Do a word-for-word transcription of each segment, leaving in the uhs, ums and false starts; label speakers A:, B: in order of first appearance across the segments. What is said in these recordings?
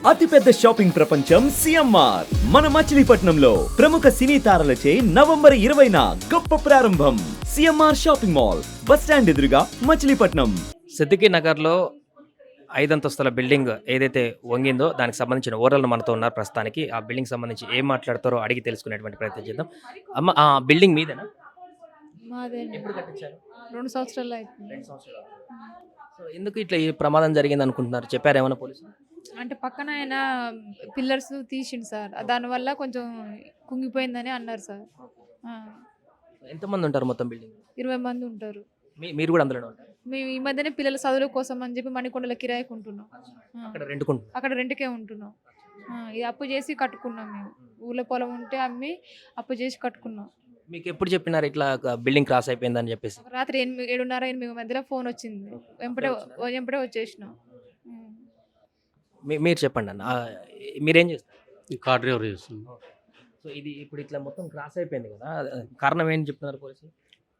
A: అతిపెద్ద షాపింగ్ ప్రపంచం సిఎంఆర్ మన మచిలీపట్నంలో ప్రముఖ సినీ తారలచే నవంబర్ ఇరవైన గొప్ప ప్రారంభం. CMR shopping mall, bus stand ఎదురుగా, మచిలీపట్నం.
B: సిద్దికి నగర్లో ఐదంతస్తుల బిల్డింగ్ ఏదైతే వంగిందో దానికి సంబంధించిన ఓనర్లు మనతో ఉన్నారు ప్రస్తుతానికి. ఆ బిల్డింగ్ సంబంధించి ఏం మాట్లాడతారో అడిగి తెలుసుకునేటువంటి ప్రయత్నం చేద్దాం. అమ్మ, ఆ బిల్డింగ్ మీదేనా?
C: మాదే
B: ఎప్పుడు కట్టించారు?
C: రెండు సంవత్సరాలు అవుతుంది.
B: రెండు సంవత్సరాలు. సో ఎందుకు ఇట్లా ఈ ప్రమాదం జరిగింది అనుకుంటున్నారు? చెప్పారు ఏమైనా పోలీసులు?
C: అంటే పక్కన ఆయన పిల్లర్స్ తీసిండు సార్, దానివల్ల కొంచెం కుంగిపోయిందని అన్నారు సార్. ఆ,
B: ఎంతమంది ఉంటారు మొత్తం బిల్డింగ్?
C: ఇరవై మంది ఉంటారు.
B: మీ మీరు కూడా అందులోనే ఉంటారు?
C: మేము ఈ మధ్యనే పిల్లల చదువుల కోసం అని చెప్పి మణికొండల కిరాయికి ఉంటున్నాం. ఆ,
B: అక్కడ రెంట్కుంటున్నారు?
C: అక్కడ రెంట్కే ఉంటున్నాం. ఆ, ఇది అప్పు చేసి కట్టుకున్నాం. మేము ఊళ్ళో పొలం ఉంటే అమ్మి అప్పు చేసి కట్టుకున్నాం.
B: మీకు ఎప్పుడు చెప్పినారు ఇట్లా బిల్డింగ్ క్రాస్ అయిపోయిందని చెప్పేసి?
C: రాత్రి ఎనిమిది ఏడున్నర ఎనిమిది మధ్యలో ఫోన్ వచ్చింది. వెంపడే వెంపడే వచ్చేసినాం. ఉం.
B: మీ- మీరు చెప్పండి అన్న. ఆ, మీరేం చేస్తారు?
D: కార్ డ్రైవర్ చేస్తుంది.
B: సో ఇది ఇప్పుడు ఇట్లా మొత్తం క్రాస్ అయిపోయింది కదా, కారణం ఏంటి చెప్తున్నారు పోలీసులు?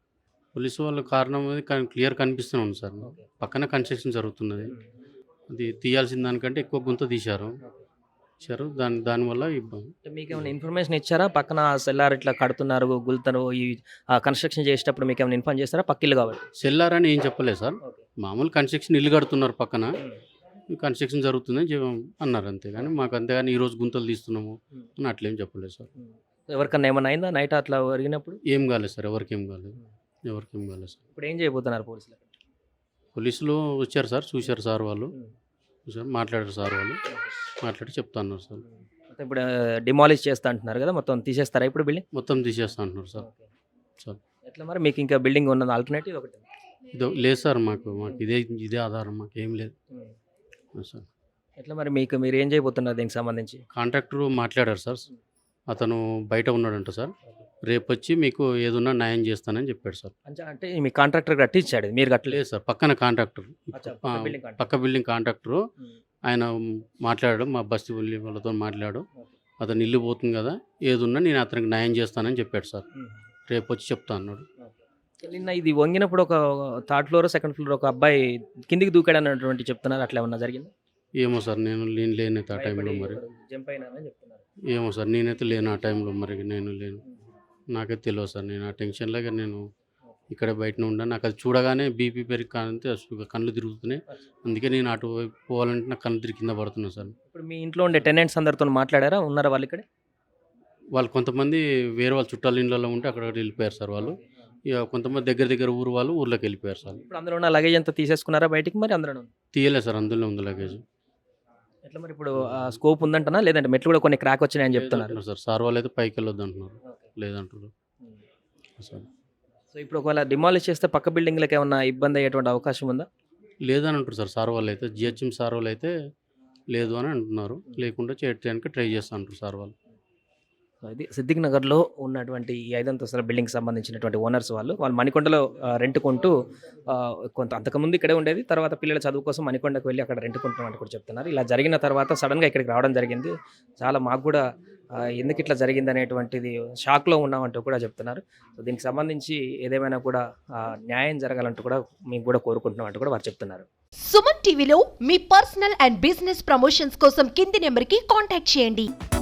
D: పోలీసు వాళ్ళ కారణం అనేది క్లియర్ కనిపిస్తూనే ఉంది సార్. పక్కన కన్స్ట్రక్షన్ జరుగుతున్నది, అది తీయాల్సిన దానికంటే ఎక్కువ గుంత తీశారు ఇచ్చారు దాని దానివల్ల ఇబ్బంది.
B: అంటే మీకు ఏమైనా ఇన్ఫర్మేషన్ ఇచ్చారా? పక్కన సెల్లార్ ఇట్లా కడుతున్నారు, గుల్తరు, ఈ కన్స్ట్రక్షన్ చేసేటప్పుడు మీకు ఏమైనా ఇన్ఫార్మ్ చేస్తారా? పక్కిల్లు కాబట్టి.
D: సెల్లార్ అని ఏం చెప్పలేదు సార్, మామూలు కన్స్ట్రక్షన్ ఇల్లు కడుతున్నారు పక్కన, కన్స్ట్రక్షన్ జరుగుతుందని చెప్ అన్నారు అంతే. కానీ మాకు అంతేగాని ఈరోజు గుంతలు తీస్తున్నాము అని అట్లేం చెప్పలేదు సార్.
B: ఎవరికన్నా ఏమైనా అయిందా నైట్ అట్లా జరిగినప్పుడు?
D: ఏం కాలేదు సార్, ఎవరికి ఏం కాలేదు, ఎవరికి ఏం కాలేదు సార్.
B: ఇప్పుడు ఏం చేయబోతున్నారు పోలీసులు?
D: పోలీసులు వచ్చారు సార్, చూశారు సార్ వాళ్ళు, చూశారు, మాట్లాడారు సార్ వాళ్ళు, మాట్లాడి చెప్తా అన్నారు సార్.
B: మొత్తం ఇప్పుడు డిమాలిష్ చేస్తా అంటున్నారు కదా, మొత్తం తీసేస్తారా ఇప్పుడు బిల్డింగ్?
D: మొత్తం తీసేస్తా అంటున్నారు సార్. సార్
B: ఎట్లా మరి మీకు ఇంకా బిల్డింగ్ ఉన్నది ఆల్టర్నేటివ్ ఒకటి?
D: ఇది లేదు సార్, మాకు మాకు ఇదే ఇదే ఆధారం, మాకు ఏం లేదు సార్.
B: ఎట్లా మరి మీకు మీరు ఏం చేయబోతున్నారు దీనికి సంబంధించి?
D: కాంట్రాక్టర్ మాట్లాడారు సార్, అతను బయట ఉన్నాడంట సార్, రేపు వచ్చి మీకు ఏదన్నా న్యాయం చేస్తానని చెప్పాడు సార్.
B: అంటే అంటే మీ కాంట్రాక్టర్ కట్టించాడు, మీరు కట్టలేదు?
D: లేదు సార్, పక్కన కాంట్రాక్టర్,
B: అచ్చా,
D: ఆ,
B: పక్క బిల్డింగ్ కాంట్రాక్టర్.
D: పక్క బిల్డింగ్ కాంట్రాక్టర్ ఆయన మాట్లాడాడు, మా బస్తీ వెళ్ళి వాళ్ళతో మాట్లాడు, అతను ఇల్లు పోతుంది కదా, ఏదున్నా నేను అతనికి న్యాయం చేస్తానని చెప్పాడు సార్, రేపు వచ్చి చెప్తా అన్నాడు.
B: నిన్న ఇది వంగినప్పుడు ఒక థర్డ్ ఫ్లోర్ సెకండ్ ఫ్లోర్ ఒక అబ్బాయి కిందికి దూకాడు అన్నటువంటి చెప్తున్నారు, అట్లా ఏమన్నా జరిగింది?
D: ఏమో సార్, నేను నేను లేనైతే ఆ టైంలో, మరి
B: జంప్ అయినారని చెప్తున్నారు.
D: ఏమో సార్, నేనైతే లేను ఆ టైంలో, మరి నేను లేను, నాకైతే తెలియదు సార్. నేను ఆ టెన్షన్లాగా నేను ఇక్కడ బయటనే ఉన్నాను, నాకు అది చూడగానే బీపీ పెరిగి కానంతే కళ్ళు తిరుగుతున్నాయి, అందుకే నేను అటు వైపు పోవాలంటే నాకు కళ్ళు తిరిగి కింద పడుతున్నాను సార్.
B: ఇప్పుడు మీ ఇంట్లో ఉండే టెనెంట్స్ అందరితో మాట్లాడారా? ఉన్నారా వాళ్ళు ఇక్కడ?
D: వాళ్ళు కొంతమంది వేరే వాళ్ళ చుట్టాల ఇళ్ళలో ఉంటే అక్కడ వెళ్ళిపోయారు సార్ వాళ్ళు, ఇక కొంతమంది దగ్గర దగ్గర ఊరు వాళ్ళు ఊర్లోకి వెళ్ళిపోయారు సార్.
B: ఇప్పుడు అందులో ఉన్న లగేజ్ అంతా తీసేసుకున్నారా బయటికి? మరి అందులో
D: తీయలేదు సార్, అందులో ఉంది లగేజ్.
B: ఎట్లా మరి ఇప్పుడు స్కోప్ ఉందంటనా, లేదంటే మెట్లు కూడా కొన్ని క్రాక్ వచ్చినాయని చెప్తున్నారు
D: లేదంటున్నారు సార్, సార్ వాళ్ళు అయితే పైకి వెళ్ళొద్దు అంటున్నారు, లేదంటారు సార్.
B: సో ఇప్పుడు ఒకవేళ డిమాలిష్ చేస్తే పక్క బిల్డింగ్లకు ఏమన్నా ఇబ్బంది అయ్యేటువంటి అవకాశం ఉందా?
D: లేదని అంటారు సార్, సార్ వాళ్ళు అయితే, జిహెచ్ఎం సార్ వాళ్ళు అయితే లేదు అని అంటున్నారు, లేకుండా చేయడానికి ట్రై చేస్తా అంటారు సార్ వాళ్ళు.
B: సో ఇది సిద్దిక్ నగర్లో ఉన్నటువంటి ఈ ఐదంతస్తుల బిల్డింగ్ సంబంధించినటువంటి ఓనర్స్ వాళ్ళు వాళ్ళు మణికొండలో ఆ, రెంట్ కొంటూ ఆ, కొంత అంతకుముందు ఇక్కడే ఉండేది, తర్వాత పిల్లల చదువు కోసం మణికొండకు వెళ్ళి అక్కడ రెంట్ కొంటున్నామంటే కూడా చెప్తున్నారు. ఇలా జరిగిన తర్వాత సడన్గా ఇక్కడికి రావడం జరిగింది. చాలా మాకు కూడా ఆ, ఎందుకు ఇట్లా జరిగింది అనేటువంటిది షాక్లో ఉన్నామంటూ కూడా చెప్తున్నారు. సో దీనికి సంబంధించి ఏదేమైనా కూడా ఆ, న్యాయం జరగాలంటూ కూడా మేము కూడా కోరుకుంటున్నాం అంటూ కూడా వారు చెప్తున్నారు.
E: సుమన్ టీవీలో మీ పర్సనల్ అండ్ బిజినెస్ ప్రమోషన్స్ కోసం కింది నెంబర్కి కాంటాక్ట్ చేయండి.